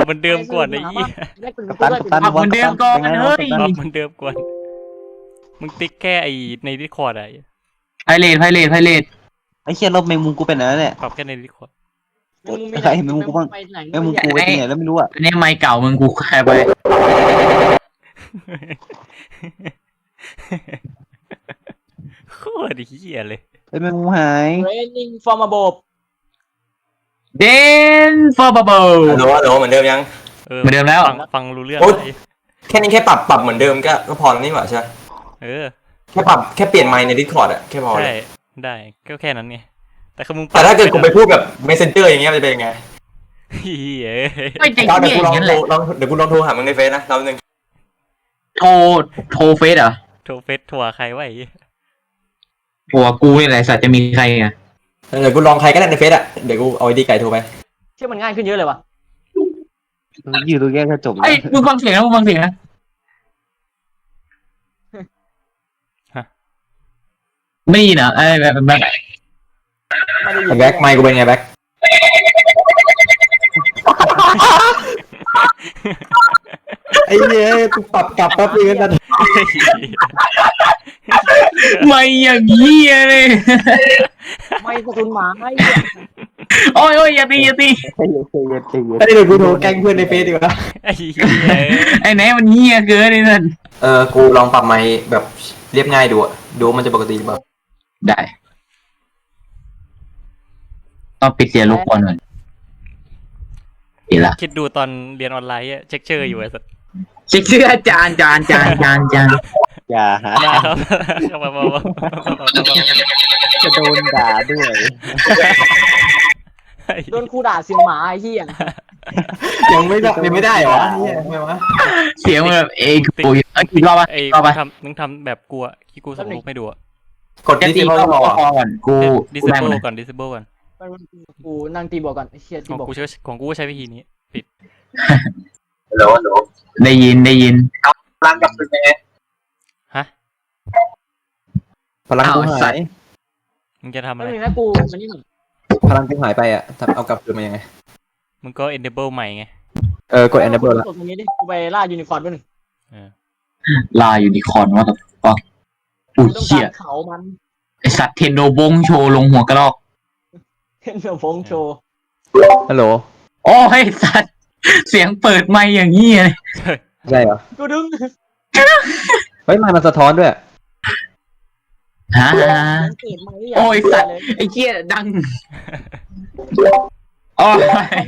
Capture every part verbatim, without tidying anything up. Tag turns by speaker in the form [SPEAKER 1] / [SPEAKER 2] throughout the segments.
[SPEAKER 1] เหมือนเดิมก่อนไอ้ยี่
[SPEAKER 2] ตันตัน
[SPEAKER 3] ปรับเหมือนเดิมก่อนเฮ้ย
[SPEAKER 1] ปรับเหมือนเดิมก่อนมึงติ๊กแค่ไอ้ในดิสคอร์ดอะ
[SPEAKER 3] ไพเรตไพเรตไพเรต
[SPEAKER 2] ไอ้เชี่ยลบแมงมุมกูเป็นอะไรเนี่ย
[SPEAKER 1] ปรับแค่ในดิสคอร์ด
[SPEAKER 2] ใครแมงมุมกูบ้างแมงมุมกูไปที่ไหนแล้วไม่รู้อ่ะ
[SPEAKER 3] อันนี้ไมค์เก่ามึงกูแคร์ไป
[SPEAKER 1] โคตรเหี้ยเลย
[SPEAKER 2] ไอ้แมงมุมหาย
[SPEAKER 4] training from above
[SPEAKER 3] เดนฟอร์บับเบิล
[SPEAKER 5] ฮัลโหลฮัลโหลเหมือนเดิมยัง
[SPEAKER 3] เหมือนเดิมแล้ว
[SPEAKER 1] ฟังฟังรู้เรื่อง
[SPEAKER 5] โอ๊ย
[SPEAKER 1] ไหม
[SPEAKER 5] แค่นี้แค่ปรับปรับเหมือนเดิมก็ก็พอแล้วนี่หว่าใช่ไหม
[SPEAKER 1] เออ
[SPEAKER 5] แค่ปรับแค่เปลี่ยนไมค์ใน Discord อะแค่พอเล
[SPEAKER 1] ใช่
[SPEAKER 5] ย
[SPEAKER 1] ได้ก็แค่นั้นไงแต่คือมึง
[SPEAKER 5] แต่ถ้าเกิดกูไปพูดแบบ Messenger อย่างเงี้ยมันจะเป็นยังไง
[SPEAKER 1] เหี้ย
[SPEAKER 3] ไม่ใจ
[SPEAKER 5] เดี๋ยว
[SPEAKER 3] เย็น
[SPEAKER 5] กู
[SPEAKER 3] อ
[SPEAKER 5] ลอง
[SPEAKER 3] ย่างนั้น
[SPEAKER 5] โท
[SPEAKER 3] แห
[SPEAKER 5] ร
[SPEAKER 3] ละ
[SPEAKER 5] ลองเดี๋ยวกูลองโทรหามึงในเฟซนะเราหนึ่ง
[SPEAKER 3] โทรโทรเฟซเหรอ
[SPEAKER 1] โทรเฟซทัวร์ใครวะไอ้เหี้ย
[SPEAKER 3] หัวกูนี่แหละสัตว์จะมีใครอ่ะ
[SPEAKER 5] เดี๋ยวกูลองใครก็ได้ในเฟซอะเดี๋ยวกูเอาไอดีไก่โทรไป
[SPEAKER 4] เชื่อมันง่ายขึ้นเยอะเลยว่ะ
[SPEAKER 2] อยู่ตรงแยกกระจก
[SPEAKER 3] ไอ้ยมึงฟังเสียงนะมึงฟังเสียงนะไม่ได้ยินเหรอไอ้แบบแบบ
[SPEAKER 4] ไม่ได้ยิน
[SPEAKER 5] แบ็คไมค์กูเป็นไงแบ็คไอ้เนี้ยกูปรับกลับแป๊บนึงกัน
[SPEAKER 3] ไม่อย่างเงี้ยเลย
[SPEAKER 4] ไม่สะทุนหมาไม่
[SPEAKER 3] โอ้ยโอ้ยอย่าตีอย่าตี
[SPEAKER 2] ใจเย็นใจเย็นใจเย็น
[SPEAKER 5] ไอ้เดี๋ยวกูโทรแกล้งเพื่อนในเฟซดีกว่า
[SPEAKER 1] ไอ้เหี้ย
[SPEAKER 3] ไอ้ไหนมันเงี้ยเกินเลยนั่น
[SPEAKER 5] เออกูลองปรับไมค์แบบเรียบง่ายดูอะดูมันจะปกติหรือเปล่า
[SPEAKER 3] ได้ต้องปิดเสียงรบกวนหน่อยดีละ
[SPEAKER 1] คิดดูตอนเรียนออนไลน์อะเช็คเชอร์อยู่ไอ้สัส
[SPEAKER 3] เช็คชื่ออาจารย์จานจานจานจาน
[SPEAKER 2] อย่าหา
[SPEAKER 1] มาครับเข้ามามามา
[SPEAKER 2] จะโดนด่าด้วย
[SPEAKER 4] โดนครูด่าเสียงหมาไอ้เหี้ย
[SPEAKER 5] ยังไม่ได้ยังไม่ได้เหรอเนี่ยทำไมวะ
[SPEAKER 3] เสียงมันแบบเอ้ยกูเอ้ยกี่รอบวะ
[SPEAKER 1] ไอ้
[SPEAKER 3] รอบ
[SPEAKER 1] มึ
[SPEAKER 3] วะ
[SPEAKER 1] งทำมึงทำแบบกูอะที่กูส่งรูปให้ดูอะ
[SPEAKER 5] กด
[SPEAKER 3] จะ
[SPEAKER 5] ดิ
[SPEAKER 3] ตี
[SPEAKER 5] จิ
[SPEAKER 3] ก็
[SPEAKER 5] ทัล
[SPEAKER 3] พ
[SPEAKER 5] รอ
[SPEAKER 3] อก่อนกู
[SPEAKER 1] ดิส
[SPEAKER 3] กูได้ห
[SPEAKER 1] เบิ
[SPEAKER 3] มด
[SPEAKER 1] ล
[SPEAKER 3] เลย
[SPEAKER 1] ก่อนดิสเบิลก่อน
[SPEAKER 4] กูนั่งตีบอกก่อนไอ้เหี้ย
[SPEAKER 1] ข
[SPEAKER 4] ตี
[SPEAKER 1] อง
[SPEAKER 4] บอก
[SPEAKER 1] กูใช้ของกูใช้วิธีนี้ปิด
[SPEAKER 5] โหลโหล
[SPEAKER 3] ได้ยินได้ยิน
[SPEAKER 5] พลังกับเป็นไง
[SPEAKER 1] ฮะ
[SPEAKER 5] พลังกูหาย
[SPEAKER 1] มึงจะทำ
[SPEAKER 4] ไม่
[SPEAKER 1] อะไร
[SPEAKER 4] มีนะกูมันนี่หนึ่ง
[SPEAKER 5] พลังกูหายไปอ่ะทำเอากลับคืนมายังไง
[SPEAKER 1] มึงก็ enable ใหม่ไง
[SPEAKER 5] เออกด enable แล้ว
[SPEAKER 4] กดตรงนี้ดิกูไปล่ายูนิคอร์นด้วยหนึ่ง
[SPEAKER 1] เออ
[SPEAKER 3] ลายูนิคอร์นว่าแต่ฟังอุ้ย
[SPEAKER 4] ต้อง
[SPEAKER 3] เหี้
[SPEAKER 4] กาย รเขามัน
[SPEAKER 3] ไอสัตว์เทนโดบงโชว์ลงหัวกระรอก
[SPEAKER 4] เห็นเดี๋ยวฟงโชว์
[SPEAKER 2] ฮัลโหล
[SPEAKER 3] โอ้ยสัตว์เสียงเปิดไมค์อย่างนี้เลย
[SPEAKER 5] ใช่เหรอ
[SPEAKER 4] กูดึง
[SPEAKER 5] เฮ้ยมันสะท้อนด้วย
[SPEAKER 3] ฮะ
[SPEAKER 4] เกิดมา
[SPEAKER 3] โอ้ยสัตว์ไอ้เจี๊ยดังโอ้ย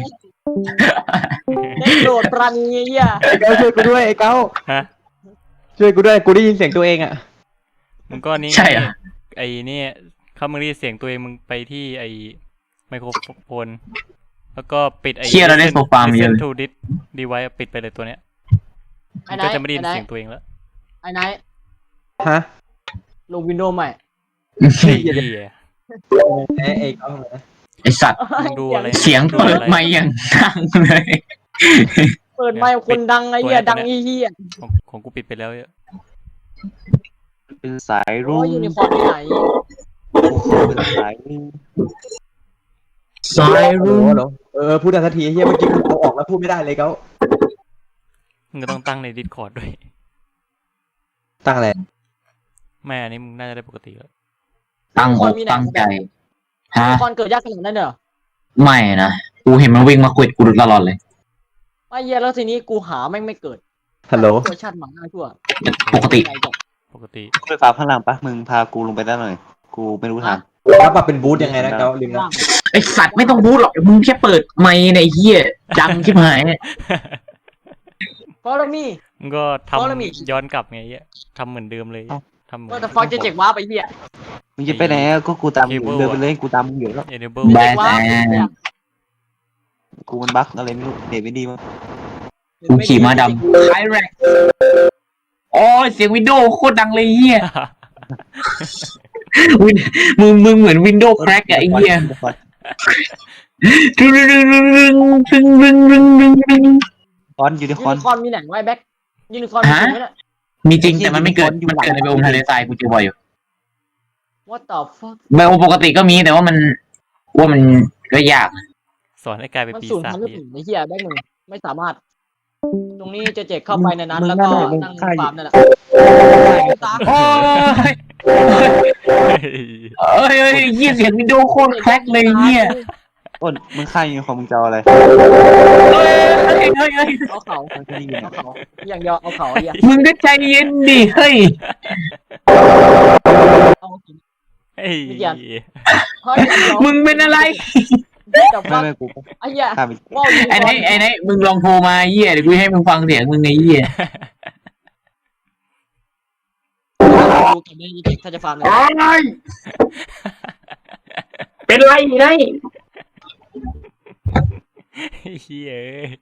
[SPEAKER 4] ได้โดดปราณีเหี้ย
[SPEAKER 2] ไอ้เก้าช่วยกูด้วยไอ้เก้า
[SPEAKER 1] ฮะ
[SPEAKER 2] ช่วยกูด้วยกูได้ยินเสียงตัวเองอ่ะ
[SPEAKER 1] มึงก็นี่
[SPEAKER 3] ใช่อ่ะ
[SPEAKER 1] ไอ้นี่เขามึงได้เสียงตัวเองมึงไปที่ไอ้ไมโครโฟนแล้วก็ปิดไอ้
[SPEAKER 3] เชี่ยเราได้โซฟามาเยอะ
[SPEAKER 1] listen to this device ปิดไปเลยตัวเนี้ย
[SPEAKER 4] ไอ้
[SPEAKER 1] มัน
[SPEAKER 4] ไน
[SPEAKER 1] ก็
[SPEAKER 4] ท์
[SPEAKER 1] จะไม่ได้ยิน
[SPEAKER 4] ไอ้ไน
[SPEAKER 1] เสียง
[SPEAKER 4] ท์
[SPEAKER 1] ตัวเองแล้ว
[SPEAKER 4] ไอ้ไนท์
[SPEAKER 2] ฮะ
[SPEAKER 4] ลงวินโดว์ใหม่
[SPEAKER 1] ไอ้เหี้ย
[SPEAKER 2] ไอ้ไอ้เก้า
[SPEAKER 3] ไอสัตว์
[SPEAKER 1] มึงดูอะไร
[SPEAKER 3] เสียงเปิดไมค์อย่างดังเลย
[SPEAKER 4] เปิดไมค์คนดังไอ้เหี้ยดังอีเหี้ย
[SPEAKER 1] ของของกูปิดไปแล้วเยอะ
[SPEAKER 2] เป็นสาย
[SPEAKER 4] โอ้
[SPEAKER 2] รุ่ง
[SPEAKER 4] ยยูนิคอร์นที่ไหน
[SPEAKER 2] เป็นสายรุ่ง
[SPEAKER 3] สาย
[SPEAKER 5] ฮัลโหล
[SPEAKER 3] รุ้ง
[SPEAKER 5] ฮัลโหลเออพูดได้สักทีเฮียเมื่อกี้กูเอาออกแล้วพูดไม่ได้เลยเขา
[SPEAKER 1] มึงก็ต้องตั้งใน Discord ด้วย
[SPEAKER 5] ตั้งอะไร
[SPEAKER 1] แม่อันนี้มึงน่าจะได้ปกติแล้ว
[SPEAKER 3] ตั้งอกตั้งใจ
[SPEAKER 4] ยู
[SPEAKER 3] ฮะ
[SPEAKER 4] นิคอร์นเกิดยากขนาดนั้นเหรอ
[SPEAKER 3] ไม่นะกูเห็นมันวิ่งมาควิดกูตลอดเลย
[SPEAKER 4] ไอ้เหี้ยแล้วทีนี้กูหาแม่งไม่เกิด
[SPEAKER 2] ฮัลโหล
[SPEAKER 4] ตัวชาติหมาง่ายทั่ว
[SPEAKER 3] ปกติ
[SPEAKER 1] ปกติ
[SPEAKER 2] กูไปฟ้าพลังปะมึงพากูลงไปได้หน่อยกูไม่รู้ทาง
[SPEAKER 5] แล้วปรับเป็นบูธยังไงนะเขาลืมนะ
[SPEAKER 3] ไอสัตว์ไม่ต้องพูดหรอกมึงแค่เปิดไมค์ในเฮียดังชิบหาย
[SPEAKER 4] ฟอลล์มี่
[SPEAKER 1] มึงก็ท
[SPEAKER 4] เพราะเรามี
[SPEAKER 1] ำย้อนกลับไงเหี้ยทำเหมือนเดิมเลยทำเหมือน
[SPEAKER 4] ว่าแต่ฟังจะเจ็กว้าไปเหี้ย
[SPEAKER 2] มึงจะไปไหนอะก็กูตามมึงเดินไปเลยกูตามมึงอยู่แล้ว
[SPEAKER 1] enable
[SPEAKER 3] แบ
[SPEAKER 4] เจ็
[SPEAKER 3] น
[SPEAKER 4] กว้า
[SPEAKER 2] กูมันบั๊กอะไรไม่รู้เด็ดไม่ดีมั้ง
[SPEAKER 3] กูขี่ม้าดำไคแร็กโอ้ยเสียงวินโดว์โคตรดังเลยเฮียวินมึงมึงเหมือนวินโดว์แครกอะไอ้เฮียรึงรึงรึงรึงรึงรึงรึงรึงรึงรึง
[SPEAKER 2] คอนยูนิค
[SPEAKER 4] ยู
[SPEAKER 2] อน
[SPEAKER 4] นิคอร์นมีไหนไว้แบ็คยูนิคอร์นมีไหมเนี่ย
[SPEAKER 3] มีจริงแต่มันไม่เกิดมันเกิดในเบลมทะเลทรายกูเจอบ่อยอยู่
[SPEAKER 4] What the fuck
[SPEAKER 3] เบลปกติก็มีแต่ว่ามันว่ามันก็ยาก
[SPEAKER 1] สอนให้กลายเป็น
[SPEAKER 4] มัน
[SPEAKER 1] ปี
[SPEAKER 4] สูญ
[SPEAKER 1] ศาจ
[SPEAKER 4] พันธุ์หรือ
[SPEAKER 1] ดิ
[SPEAKER 4] เปล่าไอ้เหี้ยแบ็คหนึ่งไม่สามารถ ตรงนี้เจเจเข้าไปในนั้นแล้วก็นั่งฟาร์มนั่นแหละตาม
[SPEAKER 3] โอ้ยเอ้ยเอ้ยเยี่ยเสียงวิดีโอโคตรแคลกเลยเยี่ย
[SPEAKER 2] อ้นมึงฆ่ายูนิคอร์นมึงจะเอาอะไร
[SPEAKER 3] เอ้ยเอ้ยเอ้ยเอ้ย
[SPEAKER 4] เอาเขา
[SPEAKER 2] มันก็นี่ไง
[SPEAKER 4] เอาเขาอย่างเดียวเอาเขาอย่าง
[SPEAKER 3] มึงก็ใจเย็นดิเฮ้ย
[SPEAKER 4] เอา
[SPEAKER 1] เฮ้ย
[SPEAKER 4] เฮ้ย
[SPEAKER 3] มึงเป็นอะไร
[SPEAKER 4] แต่
[SPEAKER 2] ไม่
[SPEAKER 4] ว่า
[SPEAKER 2] ไม่กู
[SPEAKER 4] ไอ้เหี้ย
[SPEAKER 2] ฆ่าไป
[SPEAKER 4] ว่าวยูนิค
[SPEAKER 3] ไอ้
[SPEAKER 4] อ
[SPEAKER 3] ไหน
[SPEAKER 4] ร์น
[SPEAKER 3] ไอ้ไหนมึงลองโทรมาเยี่ยเดี๋ยวกูให้มึงฟังเสียงมึงไงเยี่ย
[SPEAKER 4] ดูกันได้ถ้าจะฟาร์มเลย
[SPEAKER 3] เป็นไรไง
[SPEAKER 1] เฮียเอ้ย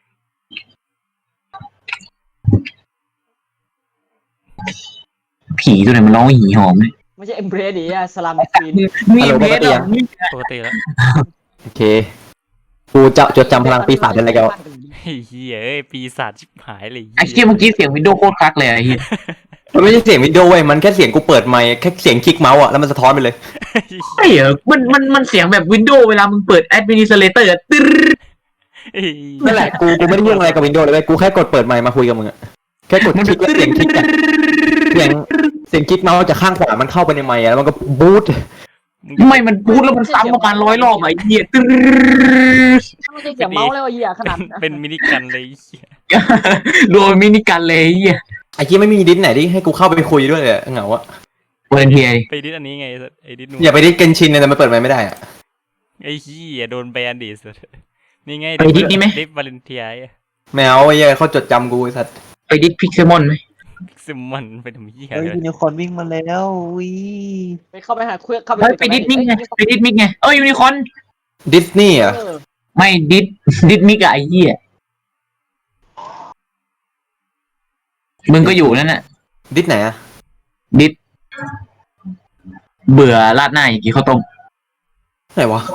[SPEAKER 3] ผีตัวไหนมันร้องหีหอมเลย
[SPEAKER 4] ไม่ใช่เอ็มเบรดิอะสลัมฟีน
[SPEAKER 3] มีเบสเหรอ
[SPEAKER 1] ปกติแล้ว
[SPEAKER 5] โอเคกูจะจดจำพลังปีศาจได้แล้ว
[SPEAKER 1] เฮียเอ้ยปีศาจชิบหายเลย
[SPEAKER 3] ไอ้เชี่ยเมื่อกี้เสียงวิดีโอโคตรคลักเลยไอ้เหี้ย
[SPEAKER 5] มันไม่ใช่เสียงวิดีโอเว้ยมันแค่เสียงกูเปิดไมค์แค่เสียงคลิกเมาส์อะแล้วมันสะท้อนไปเลย
[SPEAKER 3] ใช่เหรอมันมันมันเสียงแบบวินโดว์เวลามึงเปิดแอดมินิสเลเตอร์ตึ๊ด
[SPEAKER 5] นั่นแหละกูกูไม่ได้ยุ่งอะไรกับวินโดว์เลยเว้ยกูแค่กดเปิดไมค์มาคุยกับมึงอะแค่กดคลิกแล้วเสียงคลิกอะเสียงเสียงคลิกเมาส์จากข้างขวามันเข้าไปในไมค์อะแล้วมันก็บูท
[SPEAKER 3] ไม่มันพูดแล้วมันซ้ำประมาณร้อยรอบไอ้เหี้ยตึ๊ด
[SPEAKER 4] ไม่ใช่เสียงเมาส์เลยว่ะเหี้ยขนาด
[SPEAKER 1] เป็นมินิกันเลยเหี้ย
[SPEAKER 3] โดนมินิกันเลยไอ้เหี้ย
[SPEAKER 5] ไอ้ที่ไม่มีดิสไหนที่ให้กูเข้าไปคุยด้วยเลยอะเหงาอะ
[SPEAKER 3] เวนเทีย
[SPEAKER 1] ไปดิสอันนี้ไงไอ้ดิสนู
[SPEAKER 5] อย่าไปดิสเกนชินเลยแต่มันเปิดไมค์ไม่ได้อะ
[SPEAKER 1] ไอ้เฮียโดนแบนดิสนี่ไง
[SPEAKER 3] ไปดิสนี่ไหม
[SPEAKER 1] ดิสวาเลนเทีย
[SPEAKER 5] แมวไอ้เหี้ยเขาจดจำกูไอ้สัตว์
[SPEAKER 3] ไปดิสพิกเซมอนไหม
[SPEAKER 1] ซิมมันไปทำเฮีย
[SPEAKER 2] เฮ้ย
[SPEAKER 1] เลย
[SPEAKER 2] ยูนิคอร์นวิ่งมาแล้ววิ
[SPEAKER 4] ไปเข้าไปหาคุยเข้าไป
[SPEAKER 3] เฮ้ยไปดิสมิกไงไปดิสมิกไงเอ้ยยูนิคอร์น
[SPEAKER 5] ดิสนีย์อะ
[SPEAKER 3] ไม่ดิสดิสมิกอะไอ้เหี้ยมึงก็อยู่นั่นน่ะ
[SPEAKER 5] ดิสไหนอะ
[SPEAKER 3] ดิสเบื่อราดหน้าอย่างกี้ข้าวต้ม
[SPEAKER 5] ไหนวะ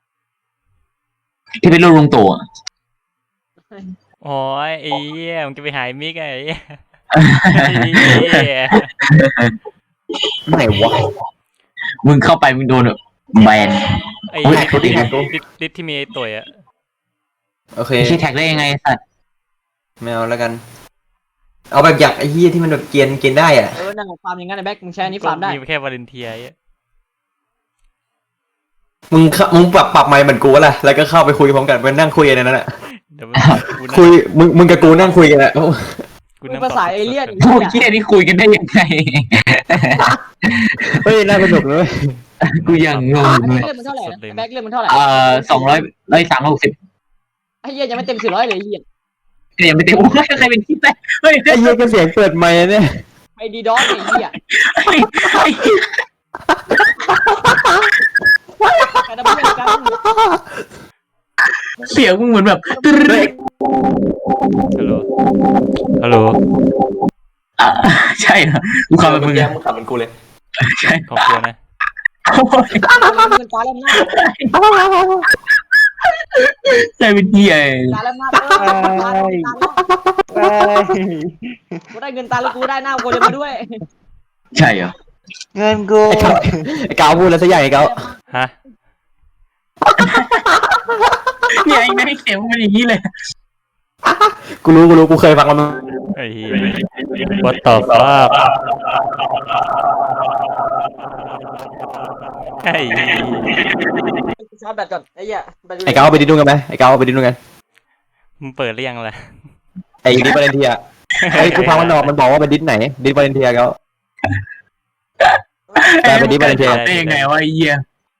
[SPEAKER 3] ที่เป็นรูปลุงตู่อะ
[SPEAKER 1] โอ้ยไอ้เฮียมันจะไปหายมิกไอ้เหี้ยไอ้เหี้ย
[SPEAKER 5] ไหนวะ
[SPEAKER 3] มึงเข้าไปมึงโดนแบบแบน
[SPEAKER 1] ไอ้
[SPEAKER 5] อุ๊ย
[SPEAKER 1] ดิส
[SPEAKER 5] เขาดิสไงกู
[SPEAKER 1] ดิสดิสที่มีไอ้ตัวอะ
[SPEAKER 5] โอเค
[SPEAKER 3] ไอ้ชี้แท็กได้ยังไงสัตว์
[SPEAKER 5] แมวแล้วกัน เอาแบบอยากไอ้เหี้ยที่มันแบบเกียนเกียนได้อะ
[SPEAKER 4] เออนั่งฟาร์มอย่างนั้นไอ้แบ็คมึงใช้อันนี้ฟาร์มได้
[SPEAKER 1] มีแค่วาเลนเทียไอ้
[SPEAKER 5] มึงเข้ามึงปรับปรับไมค์เหมือนกูแหละแล้วก็เข้าไปคุยพร้อมกันไปนั่งคุยกันในนั้นแหละ
[SPEAKER 1] เดี๋ยวกูนั่ง
[SPEAKER 5] คุยมึงมึงกับกูนั่งคุยกันแหละ
[SPEAKER 1] กู
[SPEAKER 4] มึ
[SPEAKER 1] นั่
[SPEAKER 4] ง
[SPEAKER 1] ง
[SPEAKER 4] ภาษาเอเลี่ยน
[SPEAKER 3] พวกเหี้ยนี่คุยกันได้ยังไง
[SPEAKER 5] เฮ้ยน่าสนุกเลย
[SPEAKER 3] กูยังงง
[SPEAKER 4] อัน
[SPEAKER 3] เล
[SPEAKER 4] นี้
[SPEAKER 3] ย
[SPEAKER 4] เล่มมันเท่าไหร่นะแบ็คเล่มมันเท่าไหร่
[SPEAKER 3] เอ่อสองร้อยร้อยสามร้อยหกสิบ
[SPEAKER 4] ไอ้เหี้ยยังไม่เต็มสี่ร้อยเลยไอ้เหี้ย
[SPEAKER 3] เนี่ยไม่เต็มโอ้ยใครเป็นที่แรกเฮ้ย
[SPEAKER 5] ไอ้เหี้ยก็เสียงเปิดไมค์เนี่ย
[SPEAKER 4] ไอ้ดีดอสไอ้เหี้ย
[SPEAKER 3] เฮ้ยเฮ้ย
[SPEAKER 4] ใครทำเพื่อนกัน
[SPEAKER 3] เสียงมึงเหมือนแบบตึ๊ด
[SPEAKER 1] ฮัลโหลฮัลโหล
[SPEAKER 3] อ่ะใช่เหรอกูขับแบบมึง
[SPEAKER 5] แย่
[SPEAKER 3] อะ
[SPEAKER 5] มึงขับเป็นกูเลย
[SPEAKER 3] ใช่
[SPEAKER 1] ขอบคุณนะ
[SPEAKER 3] โอ้ย
[SPEAKER 4] เงินตาเล่มหน้า
[SPEAKER 3] ใช่เป็นเหี้ย
[SPEAKER 4] ตาเล่มหน้าเออตาเล่มหน้า
[SPEAKER 2] ไป
[SPEAKER 4] กูได้เงินตาแล้วกูได้หน้ากูเลยมาด้วย
[SPEAKER 3] ใช่เหรอ
[SPEAKER 2] เงินกู
[SPEAKER 5] ไอ้กาวไอ้กาวพูดแล้วซะใหญ่ไอ้กาว
[SPEAKER 1] ฮะ
[SPEAKER 3] เนี่ยไอ้แม่งเสียงมันอย่างนี้เลย
[SPEAKER 5] กูรู้กูรู้กูเคยฟังมัน
[SPEAKER 1] ไอ้เหี้ย what the fuck ไอ้เหี้ย
[SPEAKER 4] ชาร์จแบตก่อนไอ้เหี้ยแบตอยู่
[SPEAKER 5] ไอ้กาวเอาไปดิดดูกันไหมไอ้กาวเอาไปดิดดูกัน
[SPEAKER 1] มึงเปิดหรือยังล่ะ
[SPEAKER 5] ไอ้ดิสวาเลนเทียไอ้กูฟังมันออกมันบอกว่าเป็นดิสไหนดิสวาเลนเทียกาว แต่เป็นดิสวาเลนเทีย
[SPEAKER 3] ได้ยังไงวะไอ้เหี้ย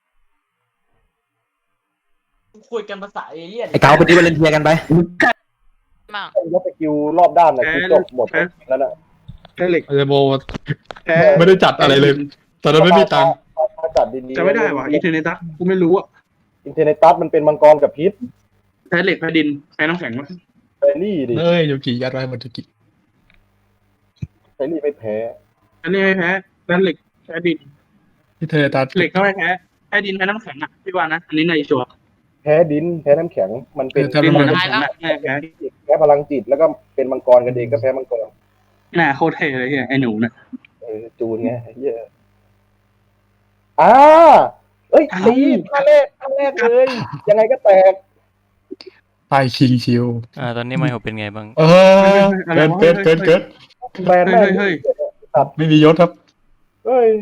[SPEAKER 4] คุยกันภาษาเอเลี่ยน
[SPEAKER 5] ไอ้กาวเป็นดิสวาเลนเทียกันไป
[SPEAKER 6] ยกสกิลรอบด้านนะคือจบหมดแล้วนะ
[SPEAKER 7] แค่เหล็ก
[SPEAKER 8] อาจจะโบ
[SPEAKER 7] แพ้
[SPEAKER 8] ไม่ได้จัดอะไรเลยตอนนั้นไม่มีตังค์
[SPEAKER 6] ถ้าจัดดีๆ
[SPEAKER 7] จะไม่ได้วะอินเทอร์เน็ตตัสกูไม่รู้อะ
[SPEAKER 6] อินเทอร์เน็ตตัสมันเป็นมังกรกับพิษ
[SPEAKER 7] แพ้เหล็กแพ้ดินแพ้น้ำแข็งวะ
[SPEAKER 6] เฟรรี่ดิ
[SPEAKER 8] เอ้ยยูกิยัดไว้หมดยูกิ
[SPEAKER 6] เฟรรี่ไม่แพ้
[SPEAKER 7] อันนี้ไม่แพ้แพ้เหล็กแพ้ดิน
[SPEAKER 8] ที่เธอตัด
[SPEAKER 7] เหล็กก็ไม่แพ้แพ้ดินแพ้น้ำแข็งอ่ะพี่ว่านะอันนี้ในชัวร์
[SPEAKER 6] แพ้ดินแพ้น้ำแข็งมันเป็น
[SPEAKER 7] ดินกับน้ำแข็งอะแพ้แพ้
[SPEAKER 6] แพ้พลังจิตแล้วก็เป็นมังกรกันเองก็แพ้มังกร
[SPEAKER 7] หน้าโคตรเท่เลยเฮียไอ้หนูเนี่ย
[SPEAKER 6] เออจูนไงเหี้ยอ่าเอ้ยตีท่าแรกท่าแรกเลยยังไงก็แตก
[SPEAKER 8] ป้ายคิงชิว
[SPEAKER 1] อ่าตอนนี้ไมโครเป็นไงบ้าง
[SPEAKER 8] เออเกินเกินเกินเกิน
[SPEAKER 6] แบรนด์แม่
[SPEAKER 7] เฮ้ย
[SPEAKER 6] ง
[SPEAKER 7] เฮ้ย
[SPEAKER 8] ไม่มียศครับ
[SPEAKER 6] เฮ้ย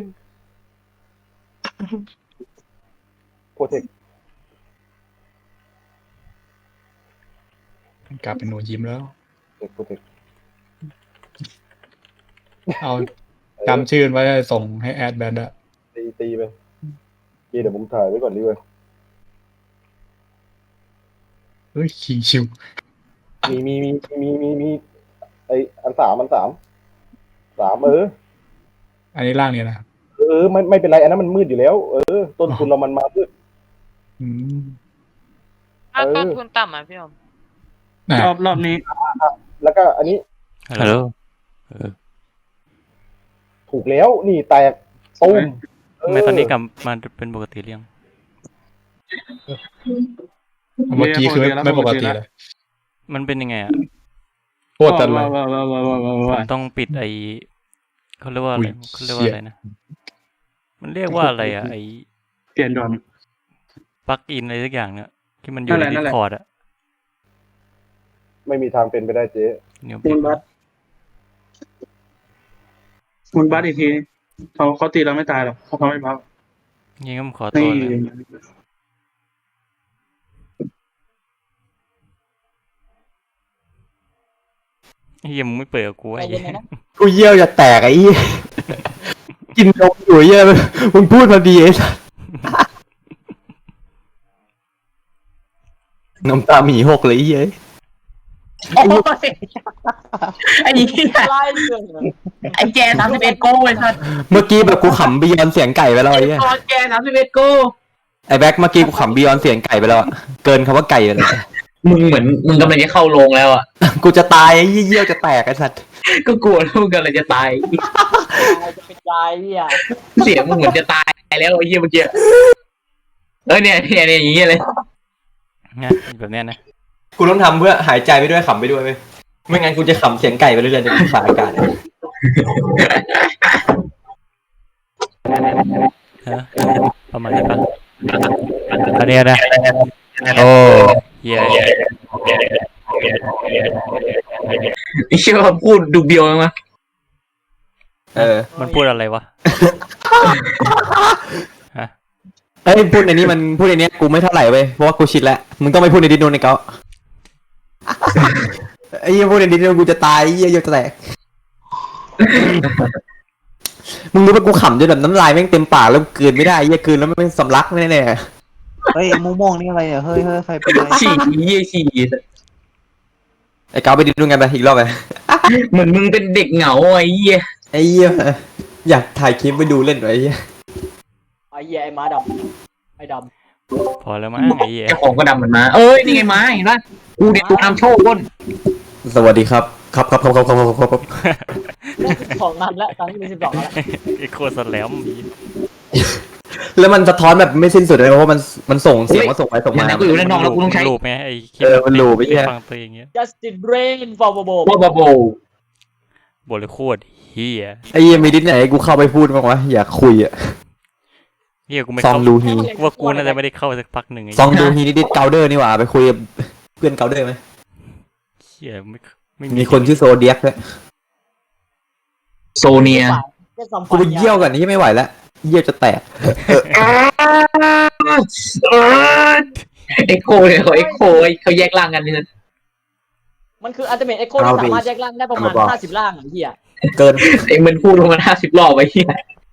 [SPEAKER 6] โปรเทค
[SPEAKER 8] กลับเป็นหนูยิ้มแล้ว
[SPEAKER 6] โปรเทค
[SPEAKER 8] เอาจำชื่อไว้ส่งให้แอดแบนด์อะ
[SPEAKER 6] ตีตีไปเดี๋ยวผมถ่ายไว้ก่อนดีกว่า
[SPEAKER 8] เฮ้ยคิงชิว
[SPEAKER 6] มีมีมีมีมีมีไออันสามอันสามสามเออ
[SPEAKER 8] อันนี้ล่างเนี่ยนะ
[SPEAKER 6] เออไม่ไม่เป็นไรอันนั้นมันมืดอยู่แล้ว เออ ต้นทุนเรามันมามืด
[SPEAKER 8] อืม
[SPEAKER 9] ถ้าต้นทุนต่ำอ่ะพี่อม
[SPEAKER 8] น่ะ
[SPEAKER 7] รอบรอบนี้
[SPEAKER 6] แล้วก็อันนี้
[SPEAKER 1] ฮัลโหล
[SPEAKER 6] ถูกแล้วนี่แตกตุ้ม
[SPEAKER 1] ทำไมตอนนี้กลับมาเป็นปกติเรื่อง
[SPEAKER 8] เมื่อกี้คือไม่ไม่ปกติเลย
[SPEAKER 1] มันเป็นยังไงอ่ะ
[SPEAKER 8] โคตรจันเลย
[SPEAKER 7] ว้าวว้าวว้าวว้าวว้าว
[SPEAKER 1] ผ
[SPEAKER 7] ว้าว
[SPEAKER 1] มต้องปิดไอเขาเรียกว่าอะไร
[SPEAKER 8] อุ๊ย
[SPEAKER 1] เขาเรียกว่าอะไรนะ มันเรียกว่าอะไรอ่ะไอ
[SPEAKER 7] เปลี่ยนดอน
[SPEAKER 1] ปลั๊กอินอะไรสักอย่างเนี่ยที่มันอยู่ใน
[SPEAKER 7] นั่
[SPEAKER 1] ดิ
[SPEAKER 7] นแห
[SPEAKER 1] ส
[SPEAKER 7] ละ
[SPEAKER 1] คอร์ดอ่ะ
[SPEAKER 6] ไม่มีทางเป็นไปได้เจ๊
[SPEAKER 1] เดี๋ยว
[SPEAKER 7] มูลบัสมูลบัสอีกทีเขาเขาตีเราไม่ตายหรอกเพราะเขาไม่พัก
[SPEAKER 1] ยังก็ขอ
[SPEAKER 7] นี่
[SPEAKER 1] ตัวเลยเฮียมึงไม่เปิดกับกู
[SPEAKER 4] ใจ
[SPEAKER 1] ไอ้
[SPEAKER 4] เย็
[SPEAKER 1] เหี้
[SPEAKER 4] น
[SPEAKER 1] ย
[SPEAKER 4] เลยนะ
[SPEAKER 5] กูเยี่ยวจะแตกไอ้เหี้ยกินนมอยู่เหี้ยมึงพูดพอดีไอ้สัสน้ำตาหมีหกเลยไอ้เหี้ย
[SPEAKER 3] โอ้ยไอ้เหี้ย
[SPEAKER 4] ไล่เรื่องเลย
[SPEAKER 3] ไอ้แกสามสิบเอ็ดโก้ไอ้สัส
[SPEAKER 5] เมื่อกี้แบบกูขำบียอนเสียงไก่ไปแล้วไอ้เหี้ย
[SPEAKER 3] ตอนแกสามสิบเอ็ดโก้
[SPEAKER 5] ไอ้แบ็คเมื่อกี้กูขำบียอนเสียงไก่ไปแล้วอะเกินคำว่าไก่ไปเลย
[SPEAKER 3] มึงเหมือนมึงกำลังจะเข้าโรงแล้วอ่ะ
[SPEAKER 5] กูจะตายไอ้เหี้ยเยี่ยวจะแตกไอ้สัส
[SPEAKER 3] ก็กลัวลูกกำลังจะตาย
[SPEAKER 4] ตายจะเป็นยายเนี่ย
[SPEAKER 3] เสียงมึงเหมือนจะตายแล้วไอ้เหี้ยเมื่อกี้เออเนี่ยเนี่ยเนี่ยอย่างเงี้ยเลย
[SPEAKER 1] นะแบบเนี้ยนะ
[SPEAKER 5] กูต้องทำเพื่อหายใจไปด้วยขำไปด้วยเว้ยไม่งั้นกูจะขำเสียงไก่ไปเรื่อยๆในสายอากาศ
[SPEAKER 1] ฮะประมาณนี้ปะอันเนี้ยนะโอ้เฮีย
[SPEAKER 3] ไอ้เชี่ยว่าพูดดูเบียวมั้ย
[SPEAKER 5] เออ
[SPEAKER 1] มันพูดอะไรวะฮะ
[SPEAKER 5] เอ้ยพูดในนี้มันพูดในนี้กูไม่เท่าไหร่เว้ยเพราะว่ากูชิดแล้วมึงต้องไปพูดในดิสโนในเกาไอ้เหี้ยพูดในดิสโนกูจะตายไอ้เหี้ยเยี่ยวจะแตกมึงรู้ป่ะกูขำจนแบบน้ำลายแม่งเต็มปากแล้วกลืนไม่ได้ไอ้เหี้ยกลืนแล้วไม่สำลักแน่
[SPEAKER 2] เฮ้ยม่วงๆนี่อะไรอ่ะเฮ้ยเฮ้ยใครเป็นไร
[SPEAKER 3] ฉี่เหี้ยฉี่
[SPEAKER 5] ๆไอ้เกาไปดิสโนกันไปอีกรอบไป
[SPEAKER 3] เหมือนมึงเป็นเด็กเหงาไอ้เหี้ย
[SPEAKER 5] ไอ้เหี้ยอยากถ่ายคลิปไปดูเล่นหน่อยไอ้เหี้ย
[SPEAKER 4] ไอ้เหี้ยไอ้ม้าดำไอ้ด
[SPEAKER 1] พอแล้วมั้งไอ้เหี้ย
[SPEAKER 3] เจ้าของก็ดำเหมือนมาเอ้ยนี่ไงไม้เห็นปะกูเด็กตัวนำโชคก้น
[SPEAKER 5] สวัสดีครับครับครับครับครับครับครับครับ
[SPEAKER 4] ำของนันแล้วตอนนี้มีสิบสองแล้ว
[SPEAKER 1] ไอ้โคตรสแลมอี
[SPEAKER 5] แล้วมันสะท้อนแบบไม่สิ้นสุดเลยเพราะว่ามันมันส่งเสียงมาส่งไปส่ง
[SPEAKER 3] เดี๋ยว
[SPEAKER 5] มา
[SPEAKER 3] นะกูอยู่ด้านนอกแล้วกูต้องใช้
[SPEAKER 1] ลูปไหมไอ้คลิป
[SPEAKER 5] เออมันลูปไอ้เหี้ย
[SPEAKER 1] ฟังตัวเองเงี้ย
[SPEAKER 4] Justin Brain for Bobo
[SPEAKER 3] โบโบโบ
[SPEAKER 1] บทเลยโคตรเฮีย
[SPEAKER 5] ไอ้เหี้ยมีดิสไหนให้กูเข้าไปพูดบ้างวะอยากคุยอะ
[SPEAKER 1] เฮียกูไม่
[SPEAKER 5] ซอง
[SPEAKER 1] เข้า
[SPEAKER 5] ดูฮี
[SPEAKER 1] กูว่ากูน่าจะไม่ได้เข้าสักพักหนึ่งไอ้
[SPEAKER 5] ซองดูฮีนี่ดิสเกาเดอร์นี่หว่าไปคุยกับเพื่อนเกาเดอร์ไหม
[SPEAKER 1] เฮียไม่ไม่
[SPEAKER 5] มีคนชื่อโซเดียกด้วย
[SPEAKER 3] โซเนีย
[SPEAKER 4] แค่สัม
[SPEAKER 5] กูไปเยี่ยวกันนี่ไม่ไหวแล้วเยี่ยวจะแตก
[SPEAKER 3] เอ็กโคเลยเขาเอ็กโคเขาแยกร่างกันนี่นะ
[SPEAKER 4] มันคือ Ultimate Echo ที่สามารถแยกร่างได้ประมาณห้าสิบร่างไอ้เหี้ย
[SPEAKER 5] เกิน
[SPEAKER 3] เอ็งมันพูดประมาณห้าสิบรอบไอ้เหี้ย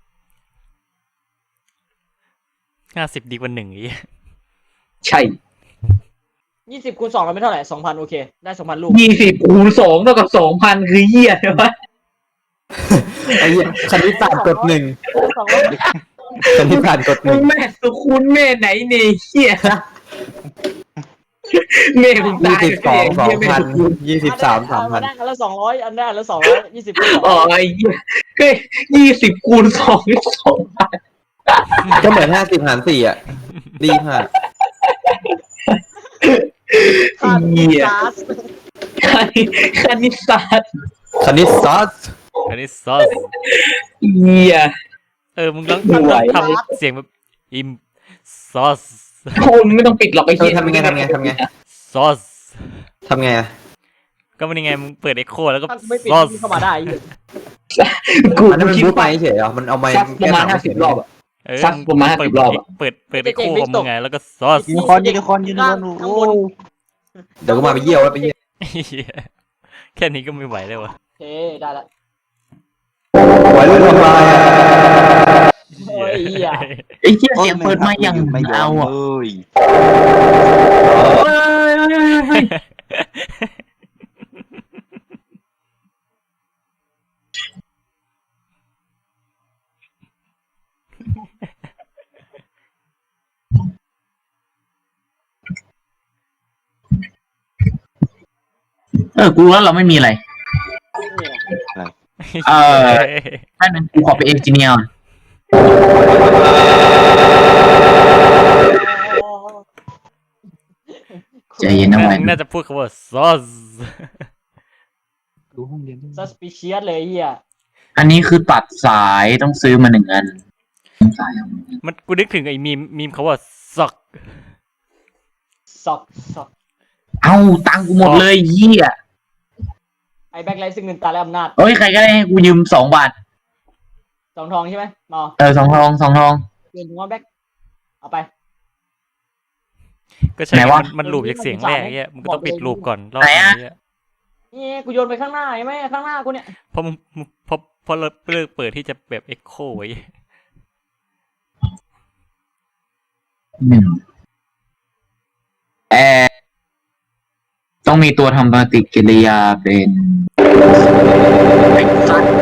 [SPEAKER 1] ห้าสิบดีกว่าหนึ่งไอ้เหี้ย
[SPEAKER 3] ใช่
[SPEAKER 4] ยี่สิบคูณสองเราไม่เท่าไหร่สองพันโอเคได้สองพันลูก
[SPEAKER 3] ยี่สิบคูณสองเท่ากับสองพันคือเหี้ยใช่ปะ
[SPEAKER 5] ไอ้เหี้ยคณิตศาสตร์กดหนึ่ง
[SPEAKER 4] สองร้อย
[SPEAKER 5] คณิตศาสตร์กดหนึ่ง
[SPEAKER 3] แม่สุคุณแม่ไหนเนี่ยเหี้ยแม่มึง
[SPEAKER 5] ยี่
[SPEAKER 3] ตาย
[SPEAKER 5] สิบสองสองพัน
[SPEAKER 3] เหี้ย
[SPEAKER 5] ยี่สิบสามสามพัน
[SPEAKER 4] อันนั้นแล้วสองร้อยอันนั้นแล้วสองร้อยยี่สิบคูณสอง
[SPEAKER 3] อ๋อไอ้เหี้ยก็ยี่สิบคูณสองนี่สองพัน
[SPEAKER 5] ก็เหมือนห้าสิบหารสี่อ่ะดีมาก
[SPEAKER 4] ค่า
[SPEAKER 3] เหี้ย
[SPEAKER 4] ก๊าซ
[SPEAKER 3] คณิตศาสตร์
[SPEAKER 5] คณิตศาสตร์
[SPEAKER 1] อันนี้ซอส
[SPEAKER 3] เหี้ย
[SPEAKER 1] เออมึงต้อง
[SPEAKER 3] ไม่ไหว
[SPEAKER 1] ทำเสียงแบบอิมซอส
[SPEAKER 3] โคนไม่ต้องปิดหรอกไอ้
[SPEAKER 5] เออ
[SPEAKER 3] เหี้ย
[SPEAKER 5] ทำยังไงทำยังไงทำยังไง
[SPEAKER 1] ซอส
[SPEAKER 5] ทำไงอะ
[SPEAKER 1] ก็มันยังไงมึงเปิดเอ็กโคแล้วก็
[SPEAKER 4] ถ้าไม่ปิด
[SPEAKER 1] ซอส
[SPEAKER 4] เข้ามาได้ไอ้เหี้ย
[SPEAKER 3] กู
[SPEAKER 5] อันนั้นมัน
[SPEAKER 3] คิด
[SPEAKER 5] บูทไป
[SPEAKER 3] ว่า
[SPEAKER 5] เฉยเหรอมันเอาไม้
[SPEAKER 3] สักประมาณห้าสิบรอบอะ
[SPEAKER 1] เออ
[SPEAKER 3] สักประมาณ
[SPEAKER 1] เปิด
[SPEAKER 3] 50รอบอะ
[SPEAKER 1] เปิดเปิดเอ็กโคของมึงไงแล้วก็ซอส
[SPEAKER 2] ยูนิคอร์นยูนิคอร์นยูนิคอร์นโอ้
[SPEAKER 5] เดี๋ยวก็มาไปเยี่ยวแล้วไปเยี่ยว
[SPEAKER 1] เหี้ยแค่นี้ก็ไม่ไหวเลยวะ
[SPEAKER 4] โอเคได้ละ
[SPEAKER 5] ไหวเรื่องทำลายอะ
[SPEAKER 4] โอ้ยเหี้ย
[SPEAKER 3] ไอ้เหี้ยเสียงเปิดมาอย่าง
[SPEAKER 2] ไม่ยอ
[SPEAKER 3] เอา
[SPEAKER 2] ม
[SPEAKER 3] อ่ะ
[SPEAKER 2] เลย
[SPEAKER 3] เฮ้ยเฮ้ยเฮ้ยเฮ้ย เออ กูรู้แล้วเราไม่มีอะไร เออ นั่นนึงกูขอไปเอนจิเนียร์ ใจเย็นนะ
[SPEAKER 1] น่า
[SPEAKER 3] ไว้
[SPEAKER 1] น่าจะพูดคำว่าซอส
[SPEAKER 2] ดูห้องเรียนด้วย
[SPEAKER 4] ซัสปิเชียสเลยไอ้เหี้ย
[SPEAKER 3] อันนี้คือตัดสายต้องซื้อมาหนึ่งอันสายเอา
[SPEAKER 1] มันกูนึกถึงไอ้มีมมีมเขาว่าซอก
[SPEAKER 4] ซอกซอก
[SPEAKER 3] เอาตังค์กูหมดเลยเหี้ย
[SPEAKER 4] ไอ้แบ็คไลท์ซึ่งเงินตาและอำนาจ
[SPEAKER 3] เอ้ย ใครก็ได้ให้กูยืมสองบาท
[SPEAKER 4] สองทองใช่ไหมมา
[SPEAKER 3] เออสองทองสองทอง
[SPEAKER 4] เงินถึงว่าแบ็คเอาไป
[SPEAKER 1] ก็ใช่
[SPEAKER 3] ไหนวะ
[SPEAKER 1] มันมันลูปจากเสียงแรกเงี้ยมึงก็ต้องปิดลูปก่อนรอบ
[SPEAKER 3] ไหนอะ
[SPEAKER 1] นี้อะ
[SPEAKER 4] นี่กูโยนไปข้างหน้าใช่ไหมข้างหน้ากูเนี่ย
[SPEAKER 1] เพราะมึงมึงเพราะเพราะเราเลิกเปิดที่จะแบบเอ็กโคไว้
[SPEAKER 3] หนึ่งแอร์ต้องมีตัวทำปฏิกิริยาเป็นไอ้สัตว์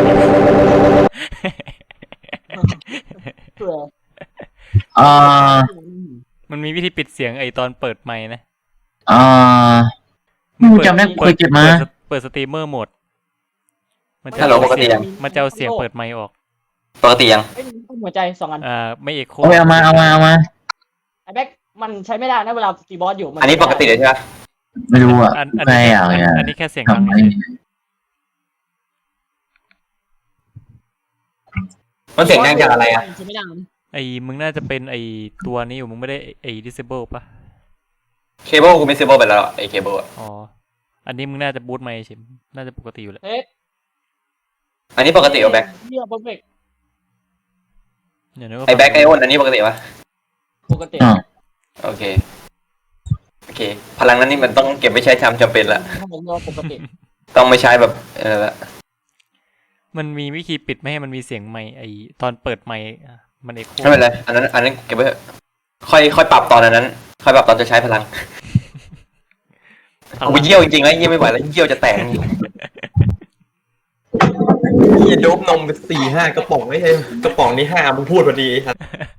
[SPEAKER 4] เผื่อ
[SPEAKER 3] เอ่อ
[SPEAKER 1] มันมีวิธีปิดเสียงไอตอนเปิดไมค์นะ
[SPEAKER 3] เอ่อกูจำได้กูเคยเก็บมา
[SPEAKER 1] ปิดสเปิดสตรีมเมอร์โหมดมันจะ
[SPEAKER 5] ฮัลโหลปกติ
[SPEAKER 1] เสีย
[SPEAKER 5] ยัง ง
[SPEAKER 1] มันจะเอาเสียงเปิดไมค์ออก
[SPEAKER 5] ปกติยัง
[SPEAKER 4] เอ้ยหัวใจสองอัน
[SPEAKER 1] อ่าไม่เอ็กโค
[SPEAKER 3] โอ้ยเอามาเอามาเอามา
[SPEAKER 4] ไอ้แบ็คมันใช้ไม่ได้นะเวลาตีบอสอยู่มั
[SPEAKER 5] อันนี้ปกติเลยใช่ไหม
[SPEAKER 3] ไม่รู้อ่ะ
[SPEAKER 1] อันอัน
[SPEAKER 3] ไม่
[SPEAKER 1] นี้
[SPEAKER 3] อยาก
[SPEAKER 1] อัน
[SPEAKER 3] อ่ะ
[SPEAKER 1] อันนี้แค่เสียงดัง
[SPEAKER 3] ทำไม
[SPEAKER 1] เฉย
[SPEAKER 5] มันเสียงดังจากอะไรอะ
[SPEAKER 4] ใช้ไม่ได้นะ
[SPEAKER 1] ไอมึงน่าจะเป็นไอตัวนี้อยู่มึงไม่ได้ไอ disable ปะ
[SPEAKER 5] เคเบิลกูไม่ซื้อเบิลไปแล้วไอ้เคเบิลอะ
[SPEAKER 1] อ๋ออันนี้มึงน่าจะบูทไมค์ใช่น่าจะปกติอยู่แหละ
[SPEAKER 4] เฮ้ย
[SPEAKER 5] อันนี้ปกติเหรอแบ็ค
[SPEAKER 4] เหี้ยเพอร์เฟกต์
[SPEAKER 1] ย่านึกว่า
[SPEAKER 5] ไอ้แบ็คไอโอนอันนี้ปกติปะ
[SPEAKER 4] ปกติ
[SPEAKER 3] อ่า
[SPEAKER 5] โอเคโอเค พลังนั้นนี่มันต้องเก็บไว้ใช้จำจำเป็นละ
[SPEAKER 4] ถ้าผมเรียกว่าปกติ
[SPEAKER 5] ต้องไม่ใช้แบบเออละ
[SPEAKER 1] มันมีวิธีปิดไม่ให้มันมีเสียงไมค์ไอตอนเปิดไมค์อ่ะมันเอ็กโค
[SPEAKER 5] ไม่เป็นไรอันนั้นอันนั้นเก็บไว้เถอะค่อยค่อยปรับตอนอันนั้น ค่อยปรับตอนจะใช้พลัง
[SPEAKER 1] พลั
[SPEAKER 5] กู
[SPEAKER 1] ง
[SPEAKER 5] ไปเยี่ยวจริงๆแล้วเยี่ยวไม่ไหวแล้วเยี่ยวจะแตกเยี่ยโดบนมไปสี่ห้ากระป๋องไม่ใช่กระป๋องนี้ห้ามึงพูดพอดีครับ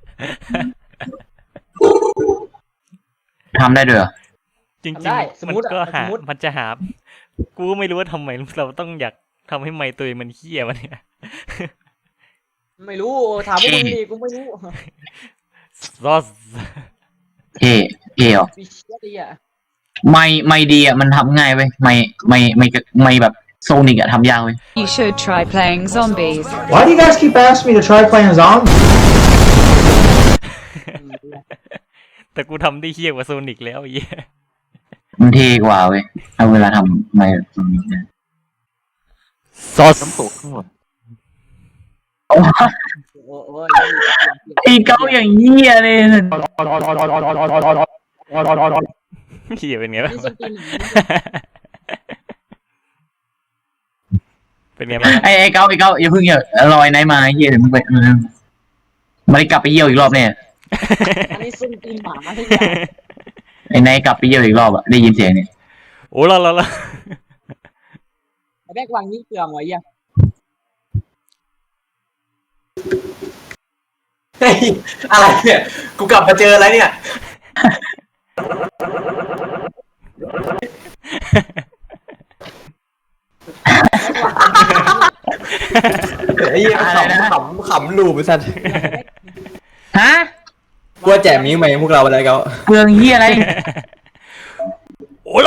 [SPEAKER 3] ทำได้ด้วยเหรอ
[SPEAKER 1] จริง
[SPEAKER 4] ทำได้ส
[SPEAKER 1] ๆ
[SPEAKER 4] ม
[SPEAKER 1] มัน
[SPEAKER 4] มติ
[SPEAKER 1] ก็
[SPEAKER 4] อะส
[SPEAKER 1] หาม
[SPEAKER 4] มติ
[SPEAKER 1] มันจะหา กูก็ไม่รู้ว่าทำไมเราต้องอยากทำให้ไมค์ตัวเองมันเฮี้ยมันเนี่ย
[SPEAKER 4] ไม่รู้ถามพวกมึงดิกูไม่รู้
[SPEAKER 1] ซอส
[SPEAKER 3] เท่เท่เหรอ
[SPEAKER 4] ปิเชียสดีอ่ะ
[SPEAKER 3] ไม่ไม่ดีอ่ะมันทำง่ายเว้ยไม่ไม่ไม่ไม่แบบโซนิกอ่ะทำยากเว้ย
[SPEAKER 10] You should try playing zombies.
[SPEAKER 11] Why do you guys keep asking me to try playing zombies?
[SPEAKER 1] แต่กูทำได้เฮี้ยกว่าโซนิกแล้วไอ้เหี้ย
[SPEAKER 3] มันเท่กว่าเว้ยเอาเวลาทำไม่แบบนี้นะ
[SPEAKER 1] ซอส
[SPEAKER 2] น้ำตกข้างหลัง
[SPEAKER 4] โอ้โห
[SPEAKER 3] ไอ้เก้าอย่างเหี้ยเลย
[SPEAKER 1] เฮี้ยเป็นไงบ้าง
[SPEAKER 4] นี่ส้นตีนหนัง
[SPEAKER 1] เป็นไงบ้าง
[SPEAKER 3] ไอ้ไอ้เก้าไอ้เก้าอย่าเพิ่งอย่าลอยไหนมาเหี้ยเดี๋ยวมึงไปเออไม่ได้กลับไปเยี่ยวอีกรอบเนี่ย
[SPEAKER 4] อันนี้ส้นตีนหมาที่ยา
[SPEAKER 3] ไอ้นายกลับไปเยี่ยวอีกรอบอ่ะได้ยินเสียงเนี่ย
[SPEAKER 1] โอ้ละละละ
[SPEAKER 4] ไอ้แบกวางนี่เกลืองไว้ยัง
[SPEAKER 5] เฮ้ยอะไรเนี่ยกูกลับมาเจออะไรเนี่ยไอ้ยี่ขำขำขำลูบไปสัตว์
[SPEAKER 3] ฮะ
[SPEAKER 5] กลัวแจกมิ้วไหมพวกเราอะไรเขา
[SPEAKER 3] เปลืองเหี้ยอะไร
[SPEAKER 1] โอ้ละ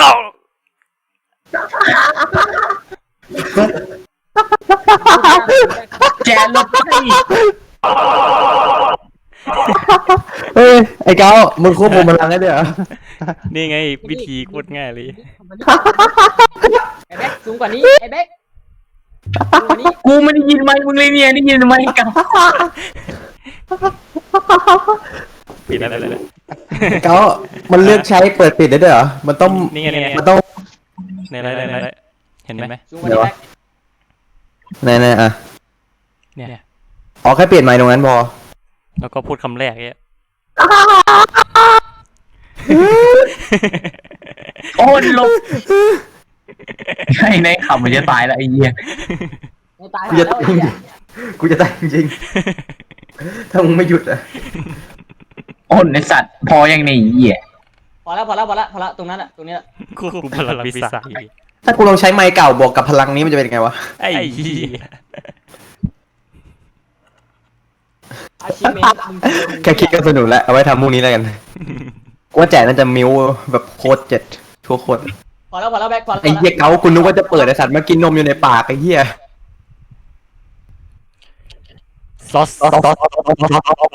[SPEAKER 3] แจกลบไป
[SPEAKER 5] เฮ้ยไอ้เก้ามึงควบคุมพลังได้ด้วยเหรอ
[SPEAKER 1] นี่ไงวิธีโคตรง่ายเลย
[SPEAKER 4] ไอ้แบ็คสูงกว่านี้ไอ้แบ็คสูงกว่านี้
[SPEAKER 3] กูไม่ได้ยินไหมมึงเลยเนี่ยได้ยินไหมกัน
[SPEAKER 1] ปิดอะไรเลย
[SPEAKER 5] เก้ามันเลือกใช้เปิดปิดได้ด้วยเหรอมันต้อง
[SPEAKER 1] นี่ไงนี่ไง
[SPEAKER 5] มันต้อง
[SPEAKER 1] ในไรในไรเห็นไหม
[SPEAKER 4] สูงกว่านี้แบ็ค
[SPEAKER 5] ไหนๆอ่ะ
[SPEAKER 1] เนี่ย
[SPEAKER 5] อ๋อแค่เปลี่ยนไมค์ตรงนั้นพอ
[SPEAKER 1] แล้วก็พูดคำแรกเนี่ย
[SPEAKER 3] โอ้ยลงไอ้ในขับมันจะตายแล้วไอ้เหี้ย
[SPEAKER 4] ไม่ตาย
[SPEAKER 5] กู
[SPEAKER 4] แล้
[SPEAKER 5] จะ
[SPEAKER 4] วไอ้เหี้ย
[SPEAKER 5] กูจะตายจริงๆถ้ามึงไม่หยุดอ่ะ
[SPEAKER 3] โอ้ยในสัตว์พอยังในเหี้ย
[SPEAKER 4] พอแล้วพอแล้วพอแล้วพอแล้วตรงนั้นอ่ะตรงนี้แหละ
[SPEAKER 1] ควบคุมพลังปีศาจ
[SPEAKER 5] ถ้ากูลองใช้ไมค์เก่าบวกกับพลังนี้มันจะเป็นยังไงวะ
[SPEAKER 1] ไอ้เหี้ย
[SPEAKER 4] อาชีพเมน
[SPEAKER 5] แค่คิดก็สนุกแล้วเอาไว้ทำพรุ่งนี้แล้วกันกูว่าแจกน่าจะมิ้วแบบโคตรเจ็ดชั่วโคตร
[SPEAKER 4] พอแล้วพอแล้วแบ็คพอแล้ว
[SPEAKER 5] ไอ้เหี้ยเก้าคุณนึกว่าจะเปิดไอ้สัตว์มากินนมอยู่ในปากไอ้เหี้ย
[SPEAKER 1] ซอส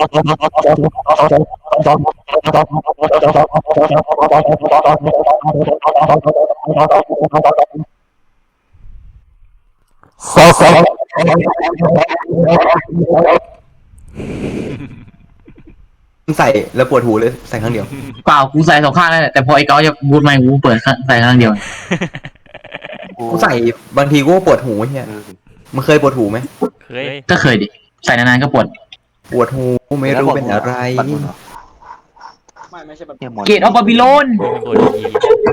[SPEAKER 5] ใส่แล้วปวดหูเลยใส่ครั้งเดียว
[SPEAKER 3] เปล่ากูใส่สองข้างนั่นแหละแต่พอไอ้เก้าจะบูทไมค์กูเปิดใส่ข้างเดียว
[SPEAKER 5] กูใส่บางทีกูก็ปวดหูเหี้ยมันเคยปวดหูไหม
[SPEAKER 1] เคย
[SPEAKER 3] ก็เคยดิใส่นานๆก็ปวด
[SPEAKER 5] ปวดหูไม่รู้เป็นอะไร
[SPEAKER 4] ไม่ไม่ใช่แบบ
[SPEAKER 3] เกตออฟบาบิโลน
[SPEAKER 1] ปวดดี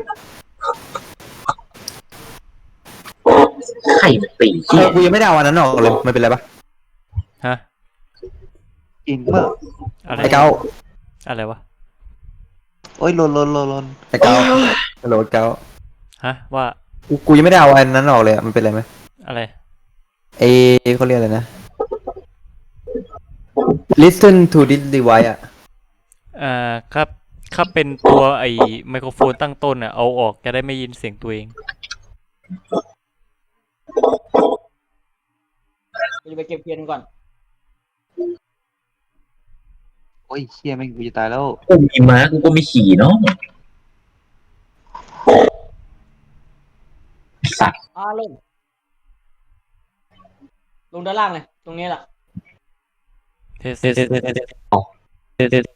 [SPEAKER 3] ไข่ปี
[SPEAKER 5] เออกูยังไม่ได้เอาอันนั้นออกเลยมันเป็นไรปะ
[SPEAKER 1] ฮะ
[SPEAKER 2] กินเมื่อ
[SPEAKER 1] อะไร
[SPEAKER 5] ไอ้เก้า
[SPEAKER 1] อะไรวะ
[SPEAKER 2] โอ้ยลนลนลนลน
[SPEAKER 5] ไอ้เก้าฮัลโหลเก้า
[SPEAKER 1] ฮะว่า
[SPEAKER 5] กูกูยังไม่ได้เอาอันนั้นออกเลยอะมันเป็นไรไหม
[SPEAKER 1] อะไร
[SPEAKER 5] เอเขาเรียกอะไรนะ listen to this device อ่ะ
[SPEAKER 1] อ่าครับถ้าเป็นตัวไอ้ไมโครโฟนตั้งต้นอ่ะเอาออกจะได้ไม่ยินเสียงตัวเอง
[SPEAKER 4] กูจะไปเก็บเพียนก่อน
[SPEAKER 2] โอ้ยเชี่ยแม่งกูจะตายแล้ว
[SPEAKER 3] กูมีม้ากูก็ไม่ขี่เนาะสัตว์
[SPEAKER 4] อ่าลงลงด้านล่างเลยตรงนี้แหละ
[SPEAKER 1] เทสเทสเทสเทสเทสเทส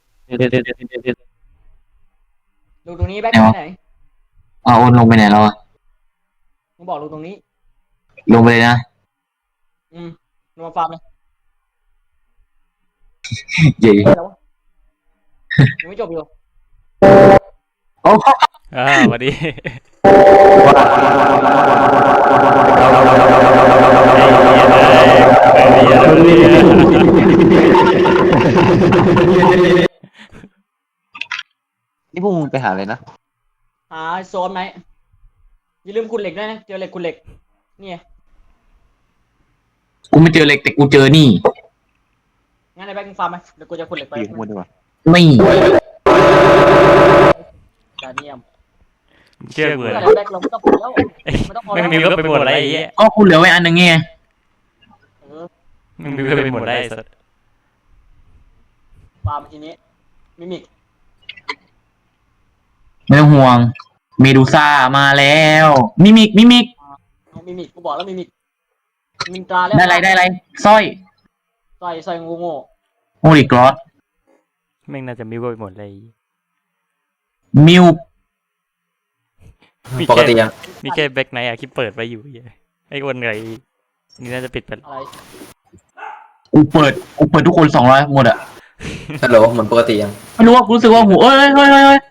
[SPEAKER 4] ลงตรงนี้แบ็คไปไหน
[SPEAKER 3] เอาโอนลงไปไหนแล้วอะ
[SPEAKER 4] มึงบอกลงตรงนี้
[SPEAKER 3] ลงไปเลยนะ
[SPEAKER 4] อืมลงมาฟาร์มเลย
[SPEAKER 3] เย่
[SPEAKER 4] แล้วยังไม่จบอยู่
[SPEAKER 3] โอ้
[SPEAKER 1] อ่าสวัสดี
[SPEAKER 2] นี่พวกมึงไปหาอะไรนะ
[SPEAKER 4] หาโซนไหมอย่าลืมขุดเหล็กด้วยนะเจอเหล็กขุดเหล็กนี่ไง
[SPEAKER 3] กูไม่เจอเหล็กแต่กูเจอนี่
[SPEAKER 4] งั้นไอ้แบ็คมึงฟาร์มไหมเดี๋ยวกูจะขุดเหล็กไป
[SPEAKER 2] อยู่ข้างบนดีกว่า
[SPEAKER 3] ไม่
[SPEAKER 4] จาเนียม
[SPEAKER 1] เชื่อกู
[SPEAKER 4] เมื่
[SPEAKER 1] เล
[SPEAKER 4] อย ไหร่แบ็คเราไม่ต้องขุดแล้วไม่ต้องพอ
[SPEAKER 1] ไม่
[SPEAKER 4] แล้ว
[SPEAKER 1] มีก็ไปหมดอะไรไอ้เหี้ย
[SPEAKER 3] ก็คุณเหลือไว้อันหนึงไง
[SPEAKER 4] เออ
[SPEAKER 1] ไม่มีก็ไปหมดได้สัส
[SPEAKER 4] ฟาร์มทีนี้มิมิก
[SPEAKER 3] ไม่ต้องห่วง เมดูซ่ามาแล้ว มิมิก มิมิก
[SPEAKER 4] เอามิมิกกูบอกแล้วมิมิกมินตราแล้ว
[SPEAKER 3] ได้ไรได้ไรสร้อย
[SPEAKER 4] ใส่ใส่งูโง่
[SPEAKER 3] โอริกรอส
[SPEAKER 1] แม่งน่าจะมีก็ไปหมดเลย
[SPEAKER 3] มิว
[SPEAKER 1] มี
[SPEAKER 5] ปก
[SPEAKER 1] แค่
[SPEAKER 5] ติยัง
[SPEAKER 1] มีแค่แบ็คไนท์อะที่เปิดไว้อยู่เหี้ยไอ้คนเหนื่อยนี่น่าจะปิดไปแล้ว
[SPEAKER 4] อะไร
[SPEAKER 3] กูเปิด กูเปิดทุกคนสองร้อยหมดอะ
[SPEAKER 5] ฮัลโหลเหมือนปกติยัง
[SPEAKER 3] ไม่รู้ว่ากูรู้สึกว่าหูเอ้ยเฮ้ยเฮ้ยเฮ้ย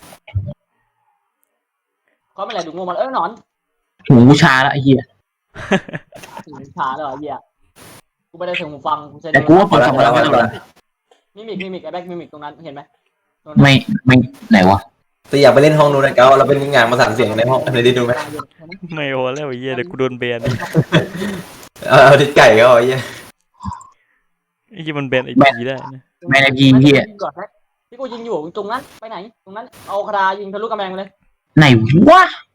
[SPEAKER 4] ก็ไม่ไหลดูงูมันเอ้ยหนอน
[SPEAKER 3] หูกูชาแล้วไอ้เหี้ย
[SPEAKER 4] ถึงขาเลยเหรอเหี้ยกูไม่ได้เสียงหูฟังกูใช้
[SPEAKER 3] แต่กูว่าเปิดสองร้อยไม่ต้องแล้ว
[SPEAKER 4] มิมิกมิมิกไอ้แบ็คมิมิกตรงนั้นเห็นไหมตรงนั้น
[SPEAKER 3] ไม่ไม่ไหนวะ
[SPEAKER 5] แต่อยากไปเล่นห้องนู้นนะเก้าเราเป็นงานมาสั่งเสียงในห้องในดิดูไหม
[SPEAKER 1] ไม่โอแล้วไอ้เหี้ยเดี๋ยวกูโดนแบน
[SPEAKER 5] เออดิไก่ก็เอาไอ้เหี้ย
[SPEAKER 1] ไอ้ที่มันแบนไอ้พีได้นะ
[SPEAKER 3] แม่นาทีเหี้ย
[SPEAKER 4] ก่อนนะที่กูยิงอยู่ตรงนั้นไปไหนตรงนั้นเอาคารายิงทะลุกำแพงไปเลย
[SPEAKER 3] ไหนวะ